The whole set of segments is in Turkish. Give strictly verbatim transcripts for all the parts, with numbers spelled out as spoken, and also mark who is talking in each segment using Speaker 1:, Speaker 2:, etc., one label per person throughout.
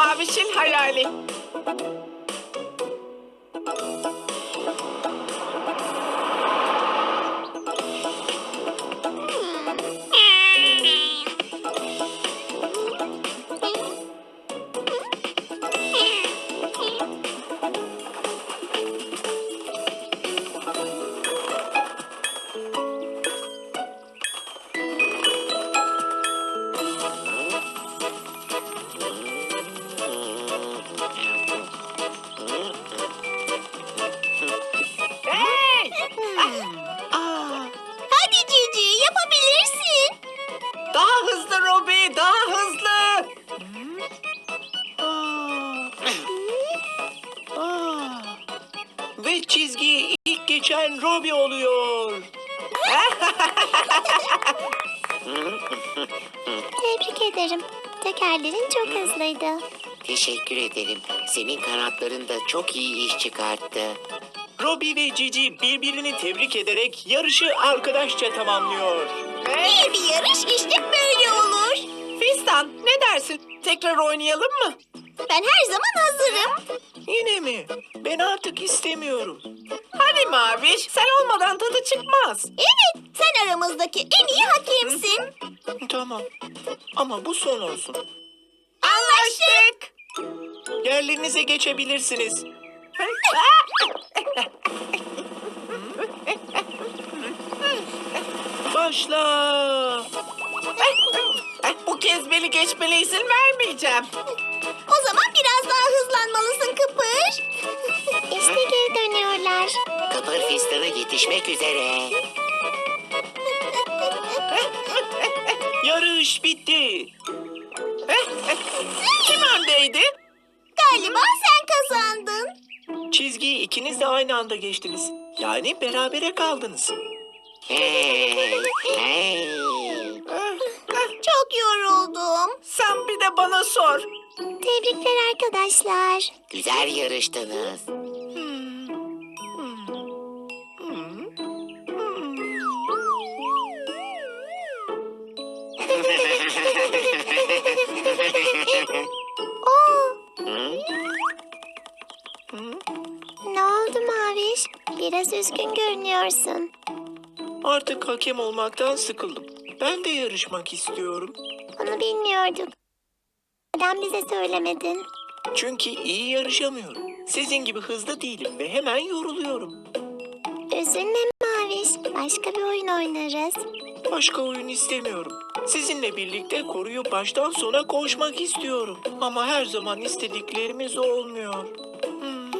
Speaker 1: Maviş'in hayali. Hey! Aa,
Speaker 2: Hadi Cici, yapabilirsin.
Speaker 1: daha hızlı Robi, daha hızlı. Aa, aa. Ve çizgiyi ilk geçen Robi oluyor.
Speaker 2: Tebrik ederim. Tekerlerin çok hızlıydı.
Speaker 3: Teşekkür ederim. Senin kanatların da çok iyi iş çıkarttı.
Speaker 1: Robi ve Cici birbirini tebrik ederek yarışı arkadaşça tamamlıyor.
Speaker 2: İyi bir yarış işte böyle olur.
Speaker 1: Fistan, ne dersin? Tekrar oynayalım mı?
Speaker 2: Ben her zaman hazırım.
Speaker 1: Yine mi? Ben artık istemiyorum. Hadi Maviş, sen olmadan tadı çıkmaz.
Speaker 2: Evet, sen aramızdaki en iyi hakemsin.
Speaker 1: Tamam. Ama bu son olsun.
Speaker 2: Anlaştık.
Speaker 1: Yerlerinize geçebilirsiniz. Başla. Bu kez beni geçmene izin vermeyeceğim.
Speaker 2: O zaman biraz daha hızlanmalısın Kıpır. İşte geri dönüyorlar.
Speaker 3: Kıpır Fistan'a yetişmek üzere.
Speaker 1: Yarış bitti. Kim öndeydi?
Speaker 2: Galiba sen kazandın.
Speaker 1: Çizgiyi ikiniz de aynı anda geçtiniz. Yani berabere kaldınız.
Speaker 3: Hey, hey.
Speaker 2: Çok yoruldum.
Speaker 1: Sen bir de bana sor.
Speaker 2: Tebrikler arkadaşlar.
Speaker 3: Güzel yarıştınız.
Speaker 2: Oo,
Speaker 3: Hı?
Speaker 2: ne oldu Maviş? Biraz üzgün görünüyorsun.
Speaker 1: Artık hakem olmaktan sıkıldım. Ben de yarışmak istiyorum.
Speaker 2: Onu bilmiyorduk. Neden bize söylemedin?
Speaker 1: Çünkü iyi yarışamıyorum. Sizin gibi hızlı değilim ve hemen yoruluyorum.
Speaker 2: Üzülme Maviş. Başka bir oyun oynarız.
Speaker 1: Başka oyun istemiyorum. Sizinle birlikte koruyu baştan sona koşmak istiyorum. Ama her zaman istediklerimiz olmuyor. Hmm.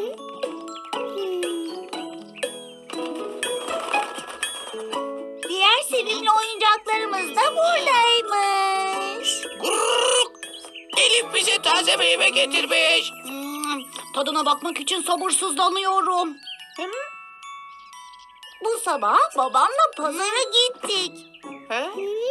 Speaker 2: Diğer sevimli oyuncaklarımız da buradaymış.
Speaker 1: Elif bize taze meyve getirmiş.
Speaker 2: Tadına bakmak için sabırsızlanıyorum. Bu sabah babamla pazara gittik.
Speaker 1: He?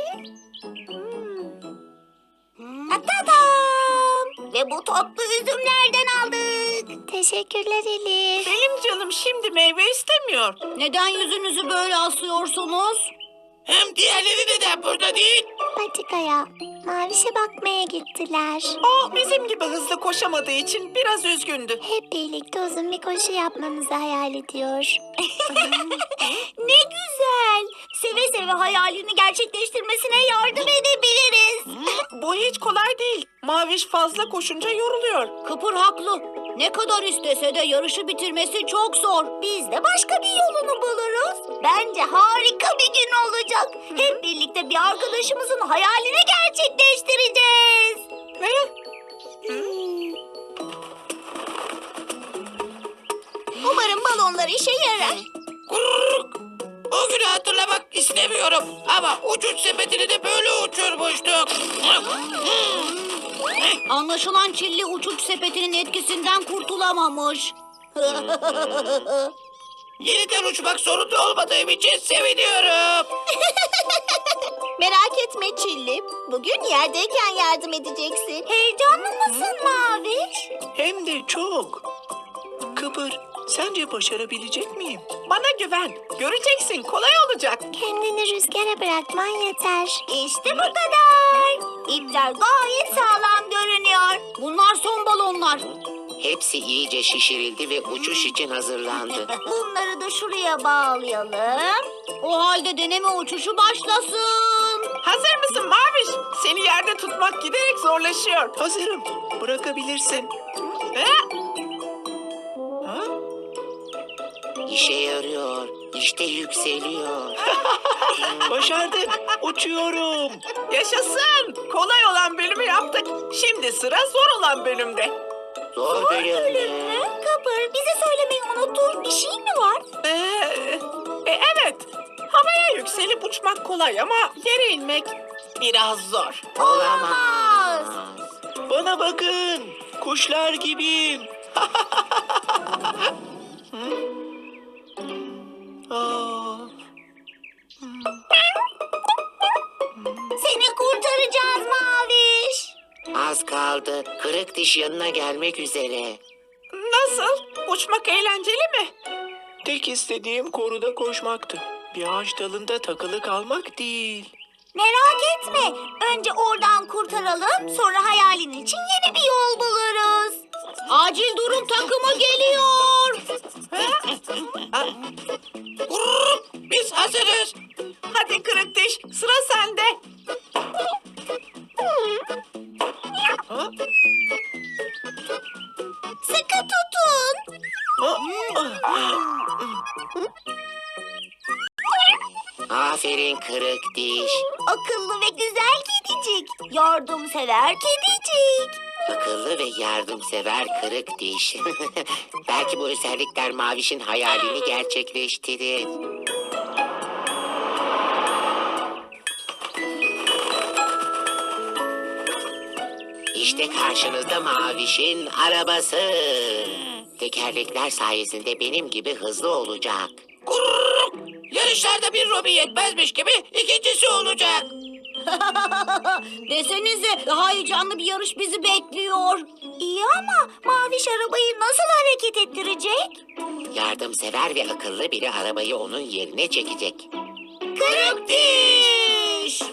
Speaker 2: Tadam! Ve bu tatlı üzümlerden aldık. Teşekkürler Elif.
Speaker 1: Benim canım şimdi meyve istemiyor.
Speaker 2: Neden yüzünüzü böyle asıyorsunuz?
Speaker 1: Hem diğerleri neden burada değil?
Speaker 2: Patikaya, Maviş'e bakmaya gittiler.
Speaker 1: O bizim gibi hızlı koşamadığı için biraz üzgündü.
Speaker 2: Hep birlikte uzun bir koşu yapmamızı hayal ediyor. Ne güzel. Seve seve hayalini gerçekleştirmesine yardım edebiliriz.
Speaker 1: Bu hiç kolay değil. Maviş fazla koşunca yoruluyor.
Speaker 2: Kıpır haklı. Ne kadar istese de yarışı bitirmesi çok zor. Biz de başka bir yolunu buluruz. Bence harika bir gün olacak. Hep birlikte bir arkadaşımızın hayalini gerçekleştireceğiz.
Speaker 1: Ne?
Speaker 2: Umarım balonlar işe yarar.
Speaker 1: O günü hatırlamak istemiyorum. Ama uçuş sepetini de böyle uçurmuştuk.
Speaker 2: Anlaşılan Çilli uçuş sepetinin etkisinden kurtulamamış.
Speaker 1: Yeniden uçmak zorunda olmadığım için seviniyorum.
Speaker 2: Merak etme Çilli. Bugün yerdeyken yardım edeceksin. Heyecanlı mısın Maviş?
Speaker 1: Hem de çok. Kıpır, sence başarabilecek miyim? Bana güven. Göreceksin, kolay olacak.
Speaker 2: Kendini rüzgara bırakman yeter. İşte bu kadar. İpler gayet sağlam görünüyor. Bunlar son
Speaker 3: hepsi iyice şişirildi ve uçuş için hazırlandı.
Speaker 2: Bunları da şuraya bağlayalım. O halde deneme uçuşu başlasın.
Speaker 4: Hazır mısın Maviş? Seni yerde tutmak giderek zorlaşıyor.
Speaker 1: Hazırım. Bırakabilirsin.
Speaker 4: Ha?
Speaker 1: Ha?
Speaker 3: İşe yarıyor. İşte yükseliyor.
Speaker 1: Başardık. Uçuyorum.
Speaker 4: Yaşasın. Kolay olan bölümü yaptık. Şimdi sıra zor olan bölümde.
Speaker 3: Zor
Speaker 2: Bölüm
Speaker 3: bölüm.
Speaker 2: mü? Kapır, bize söylemeyi unuttuğun bir şey mi var?
Speaker 4: Ee, e, evet. Havaya yükselip uçmak kolay ama yere inmek biraz zor.
Speaker 3: Olamaz.
Speaker 1: Bana bakın. Kuşlar gibiyim. Hı? Aa,
Speaker 2: Seni kurtaracağız Maviş.
Speaker 3: Az kaldı. Kırık diş yanına gelmek üzere.
Speaker 4: Nasıl? Uçmak eğlenceli mi?
Speaker 1: tek istediğim koruda koşmaktı. Bir ağaç dalında takılı kalmak değil.
Speaker 2: Merak etme. Önce oradan kurtaralım, sonra hayalin için yeni bir yol buluruz. Acil durum takımı geliyor.
Speaker 4: Biz hazırız. Hadi kırık diş, sıra sende.
Speaker 1: Ha?
Speaker 2: Sıkı tutun.
Speaker 1: Ha? Ah.
Speaker 3: Aferin kırık diş.
Speaker 2: Akıllı ve güzel kedicik. Yardımsever kedicik.
Speaker 3: Akıllı ve yardımsever kırık diş. Belki bu özellikler Maviş'in hayalini gerçekleştirir. İşte karşınızda Maviş'in arabası. Tekerlekler sayesinde benim gibi hızlı olacak. Yarışlarda bir Robi yetmezmiş gibi ikincisi olacak.
Speaker 2: Desenize daha heyecanlı bir yarış bizi bekliyor. İyi ama Maviş arabayı nasıl hareket ettirecek?
Speaker 3: Yardımsever ve akıllı biri arabayı onun yerine çekecek.
Speaker 2: Kırık diş.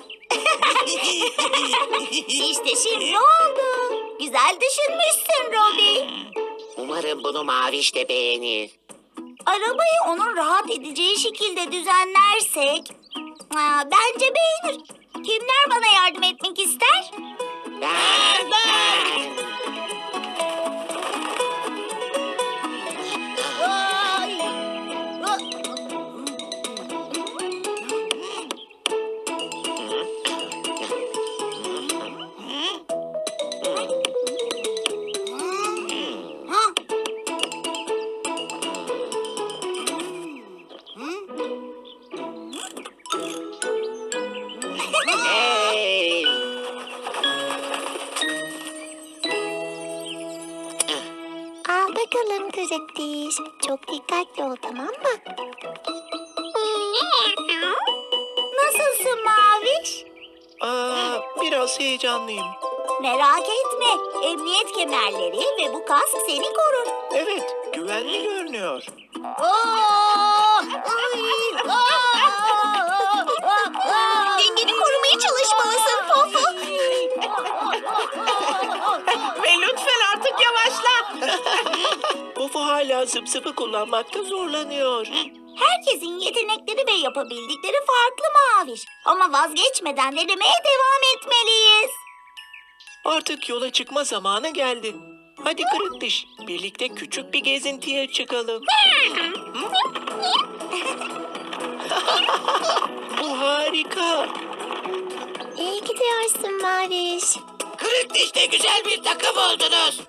Speaker 2: İşte şimdi oldu. Güzel düşünmüşsün Robi.
Speaker 3: Umarım bunu Maviş de beğenir.
Speaker 2: Arabayı onun rahat edeceği şekilde düzenlersek... Aa, bence beğenir. Kimler bana yardım etmek ister?
Speaker 3: Ben, ben.
Speaker 2: Ay. Ha?
Speaker 3: Hey!
Speaker 2: Al bakalım kırık diş. Çok dikkatli ol, tamam mı? Nasılsın Maviş?
Speaker 1: Aa, biraz heyecanlıyım.
Speaker 2: Merak etme. Emniyet kemerleri ve bu kask seni korur.
Speaker 1: Evet, güvenli görünüyor.
Speaker 2: Dengeni korumaya çalışmalısın Pofu.
Speaker 4: Ve lütfen artık yavaşla.
Speaker 1: Pofu hala zıp zıpı kullanmakta zorlanıyor.
Speaker 2: Herkesin yetenekleri ve yapabildikleri farklı Maviş. Ama vazgeçmeden denemeye devam etmeliyiz.
Speaker 1: Artık yola çıkma zamanı geldi. Hadi kırık diş, birlikte küçük bir gezintiye çıkalım. Bu harika.
Speaker 2: İyi gidiyorsun Maviş.
Speaker 3: Kırık dişte güzel bir takım oldunuz.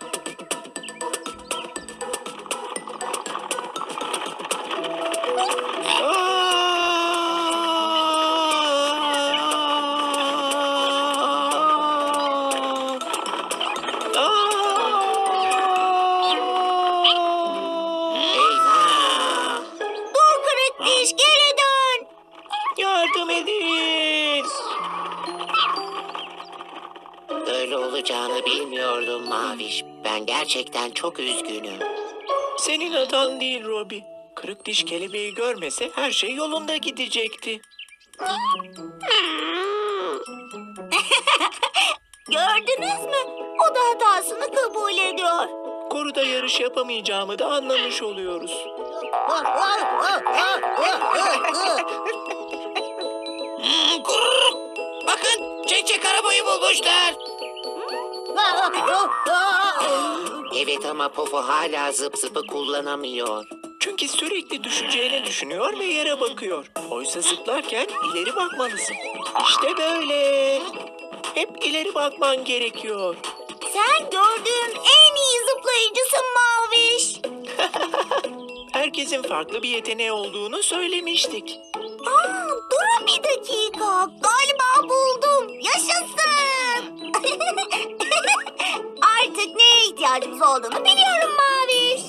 Speaker 3: Eyvah!
Speaker 2: Dur kırık diş, geri dön.
Speaker 1: Yardım edin.
Speaker 3: Öyle olacağını bilmiyordum Maviş. Ben gerçekten çok üzgünüm.
Speaker 1: Senin hatan değil Robi. Kırık diş kelebeği görmese her şey yolunda gidecekti.
Speaker 2: Gördünüz mü? O da hatasını kabul ediyor.
Speaker 1: Koruda da yarış yapamayacağımı da anlamış oluyoruz.
Speaker 3: Bakın çek çek arabayı bulmuşlar. Evet ama Pofo hala zıp zıpı kullanamıyor.
Speaker 1: Çünkü sürekli düşeceğini düşünüyor ve yere bakıyor. Oysa zıplarken ileri bakmalısın. İşte böyle. Hep ileri bakman gerekiyor.
Speaker 2: Sen gördüğüm en iyi zıplayıcısın Maviş.
Speaker 1: Herkesin farklı bir yeteneği olduğunu söylemiştik.
Speaker 2: Aa, durun bir dakika. Galiba buldum. Yaşasın. Artık neye ihtiyacımız olduğunu biliyorum Maviş.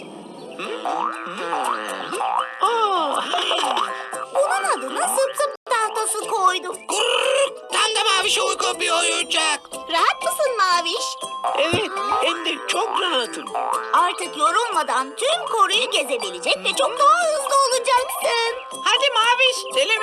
Speaker 1: Aa,
Speaker 2: Bunun adına zıp zıp tahtası koydum.
Speaker 3: Tam da Maviş'e uygun bir oyuncak.
Speaker 2: Rahat mısın Maviş?
Speaker 1: evet, hem de çok rahatım.
Speaker 2: Artık yorulmadan tüm koruyu gezebilecek ve çok daha hızlı olacaksın.
Speaker 4: Hadi Maviş, Selim